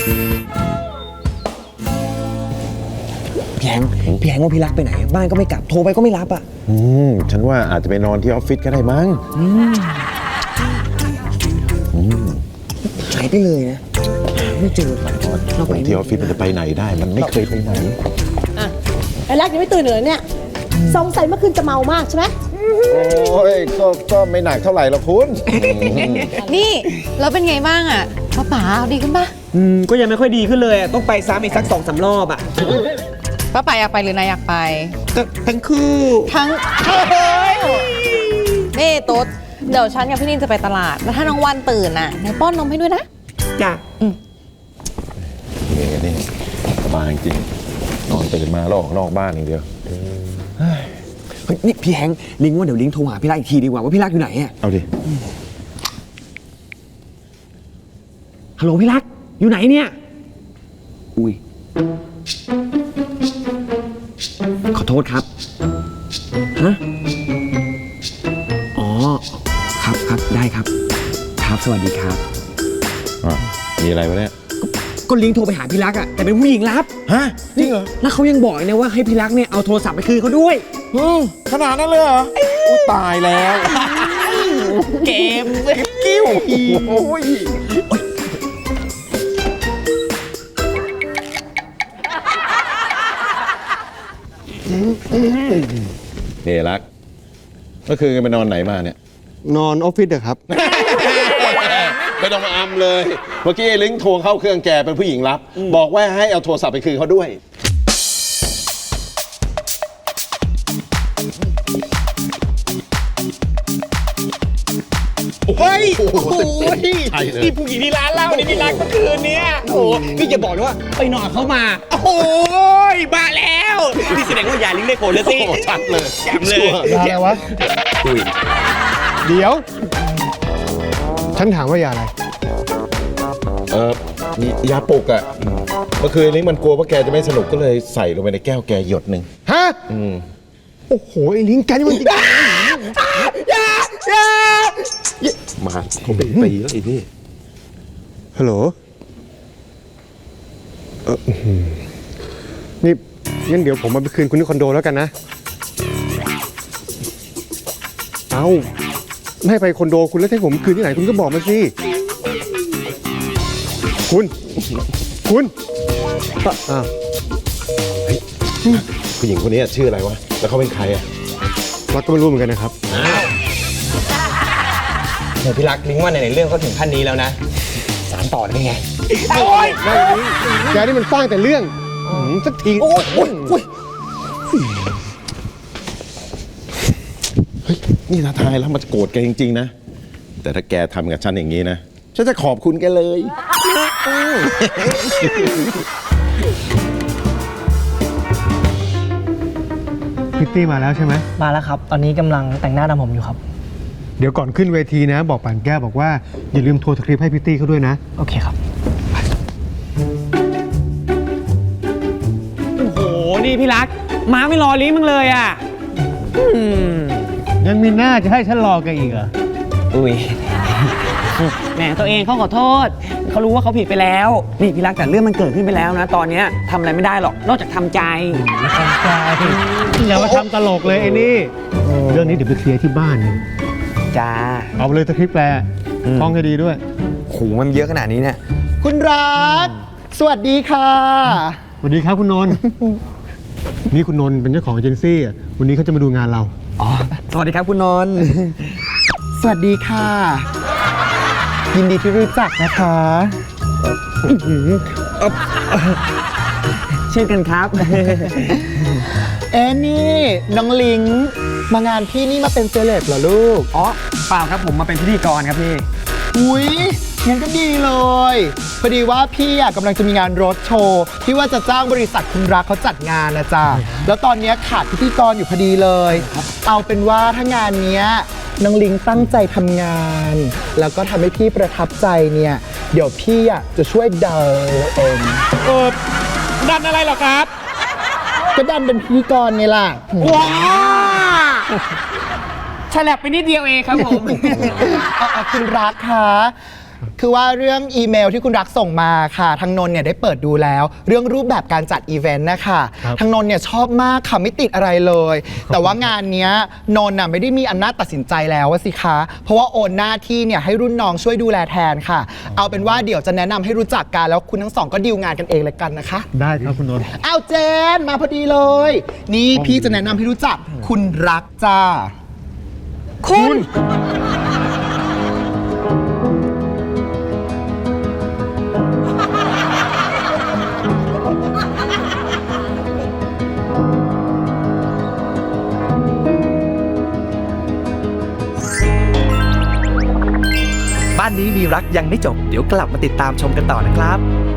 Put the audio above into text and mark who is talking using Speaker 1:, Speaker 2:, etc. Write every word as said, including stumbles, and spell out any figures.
Speaker 1: พี่แฮงพี่แฮงว่าพี่รักไปไหนบ้านก็ไม่กลับโทรไปก็ไม่รับอ่ะ
Speaker 2: อืมฉันว่าอาจจะไปนอนที่ออฟฟิศก็ได้มั้ง
Speaker 1: หายไปเลยนะไม่เจอเราไป
Speaker 2: ที่ออฟฟิศมันจะไปไหนได้มันไม่เคยไปไหน
Speaker 3: อ่ะไอ้รักยังไม่ตื่นเลยเนี่ยสงสัยเมื่อคืนจะเมามากใช่ไหม
Speaker 2: โอ้ยก็ก็ไม่หนักเท่าไหร่หรอกคุณ
Speaker 4: นี่แล้วเป็นไงบ้างอ่ะป้าป๋าดีขึ้นปะ
Speaker 1: อืมก็ยังไม่ค่อยดีขึ้นเลยต้องไปซ้ำอีกสักสองสามรอบอ่ะ
Speaker 4: ป้าป๋าอยากไปหรือนายอยากไป
Speaker 1: ทั้งคู่
Speaker 4: ทั้งนี่ตุ๊ดเดี๋ยวฉันกับพี่นินจะไปตลาดแล้วถ้าน้องวันตื่นน่ะนายป้อนนมให้ด้วยนะ
Speaker 1: จ้ะ
Speaker 2: นี่นี่สบายจริงนอนตื่นมาแล้วออกนอกบ้านอย่างเดียว
Speaker 1: เฮ้ยนี่พี่แฮงลิงว่าเดี๋ยวลิงโทรหาพี่รักอีกทีดีกว่าว่าพี่รักอยู่ไหนอ่ะ
Speaker 2: เอาดิ
Speaker 1: ฮัลโหลพี่รักอยู่ไหนเนี่ยอุ้ยขอโทษครับฮะอ๋อครับครับได้ครับครับสวัสดีครับ
Speaker 2: อ่ะมีอะไรวะเนี่ย
Speaker 1: ก็ลิงโทรไปหาพี่รักอ่ะแต่เป็นผู้หญิงรับ
Speaker 2: ฮะจริงเหรอ
Speaker 1: แล้วเขายังบอกนะว่าให้พี่รักเนี่ยเอาโทรศัพท์ไปคืนเขาด้วย
Speaker 2: ขนาดนั้นเลยเหรออุ้ยตายแล้ว
Speaker 1: เกมกิ้วโอ้ย
Speaker 2: นี่รักเมื่อคืนไปนอนไหนมาเนี่ย
Speaker 5: นอนออฟฟิศเด้อครับ
Speaker 2: ไม่ต้องมาอำเลยเมื่อกี้ไอ้ลิงโทรเข้าเครื่องแกเป็นผู้หญิงรับบอกว่าให้เอาโทรศัพท์ไปคืนเขาด้วย
Speaker 1: เฮ้ยโอ้โหนี่ผู้หญิงที่ร้านเหล้านี่พี่รักเมื่อคืนเนี้ยโอ้โหพี่จะบอกเลยว่าไปนอนเขามาโอ้โหมาแล้วนี่แสดงว่ายาลิงได้ผลแล้วสิ
Speaker 2: ชัดเลย
Speaker 1: แจ่มเลย
Speaker 5: ยาอะไรวะเดี๋ยวฉันถามว่ายาอะไร
Speaker 2: เออนี่ยาปลุกอ่ะเมื่อคืนลิงมันกลัวว่าแกจะไม่สนุกก็เลยใส่ลงไปในแก้วแกหยดหนึ่ง
Speaker 5: ฮะโอ้โหไอ้ลิงแกนี่มันจริง
Speaker 1: ยา ยา
Speaker 2: มาเขาเป็นปีแล้วไอ้นี่
Speaker 5: ฮัลโหลเออนี่งั้นเดี๋ยวผมมาไปคืนคุณที่คอนโดแล้วกันนะเอาไม่ให้ไปคอนโดคุณแล้วให้ผมคืนที่ไหนคุณก็บอกมาสิคุณคุณอ้าว
Speaker 2: ผู้หญิงคนนี้ชื่ออะไรวะแล้วเขาเป็นใครอ่ะ
Speaker 5: วัดก็ไม่รู้เหมือนกันนะครับ
Speaker 1: เดี๋ยวพี่รักลิงว่าในเรื่องก็ถึงขั้นนี้แล้วนะสารต่อได้ไง
Speaker 5: โอ้ยแกนี่มันสร้างแต่เรื่องสักที
Speaker 1: โอ้ยโอ้ยโอ้ย
Speaker 2: เฮ้ยนี่ท้าทายแล้วมันโกรธแกจริงๆนะแต่ถ้าแกทำกับฉันอย่างนี้นะฉันจะขอบคุณแกเลย
Speaker 5: พิตตี้มาแล้วใช่ไหม
Speaker 6: มาแล้วครับตอนนี้กำลังแต่งหน้าทำผมอยู่ครับ
Speaker 5: เดี๋ยวก่อนขึ้นเวทีนะบอกป่านแก้วบอกว่าอย่าลืมโทรสคริปต์ให้พิตตี้เขาด้วยนะ
Speaker 6: โอเคครับ
Speaker 1: โอ้โหนี่พี่รักม้าไม่รอลิงมึงเลยอ่ะ
Speaker 5: ยังมีหน้าจะให้ฉันรอแกอีกเหรอ
Speaker 1: อุ้ยแหมตัวเองเขาขอโทษเขารู้ว่าเขาผิดไปแล้วนี่พี่รักแต่เรื่องมันเกิดขึ้นไปแล้วนะตอนนี้ทำอะไรไม่ได้หรอกนอกจากทำใจ
Speaker 5: ทำใจอย่ามาทำตลกเลยไอ้นี่เรื่องนี้เดี๋ยวไปเคลียร์ที่บ้าน
Speaker 1: จ้า
Speaker 5: เอาไปเลยสคริปต์แปลท่องให้ดีด้วย
Speaker 1: โหมันเยอะขนาดนี้เนี่ย
Speaker 7: คุณรักสวัสดีค่ะ
Speaker 5: สวัสดีครับคุณนนท์นี่คุณนนท์เป็นเจ้าของเอเจนซี่วันนี้เขาจะมาดูงานเรา
Speaker 1: อ๋อสวัสดีครับคุณนนท์
Speaker 7: สวัสดีค่ะยินดีที่รู้จักนะคะ
Speaker 1: เช่นกันครับ
Speaker 7: เอ็นี่น้องลิงมางานพี่นี่มาเป็นเซเลบเหรอลูก
Speaker 1: อ๋อเปล่าครับผมมาเป็นพิธีกรครับพี่
Speaker 7: อุ้ยงั้นก็ดีเลยพอดีว่าพี่อ่ะกำลังจะมีงานรถโชว์ที่ว่าจะจ้างบริษัทคุณรักเขาจัดงานนะจ๊ะแล้วตอนนี้ขาดพิธีกรอยู่พอดีเลยเอาเป็นว่าถ้างานเนี้ยน้องลิงตั้งใจทำงานแล้วก็ทำให้พี่ประทับใจเนี่ยเดี๋ยวพี่อ่ะจะช่วยเดาเอง
Speaker 1: เออดันอะไรหรอครับ
Speaker 7: ก็ดันเป็นพิธีกรไงล่ะ
Speaker 1: ว้าฉลับไปนิดเดียวเองครับผม
Speaker 7: คุณรักคะคือว่าเรื่องอีเมลที่คุณรักส่งมาค่ะทางนนท์เนี่ยได้เปิดดูแล้ว เรื่องรูปแบบการจัดอีเวนต์นะคะ
Speaker 5: ครับ
Speaker 7: ทางนนท์เนี่ยชอบมากค่ะไม่ติดอะไรเลย แต่ว่างานเนี้ยนนท์น่ะไม่ได้มีอำนาจตัดสินใจแล้วว่าสิคะเพราะว่าโอนหน้าที่เนี่ยให้รุ่นน้องช่วยดูแลแทนค่ะ เอาเป็นว่าเดี๋ยวจะแนะนำให้รู้จักกันแล้วคุณทั้งสองก็ดีลงานกันเองเลยกันนะคะ
Speaker 5: ได้ครับคุณนนท์
Speaker 7: อ้าวเจนมาพอดีเลย นี่พี่จะแนะนำให้รู้จักคุณรักจ้า
Speaker 4: คุณ
Speaker 8: บ้านนี้มีรักยังไม่จบ เดี๋ยวกลับมาติดตามชมกันต่อนะครับ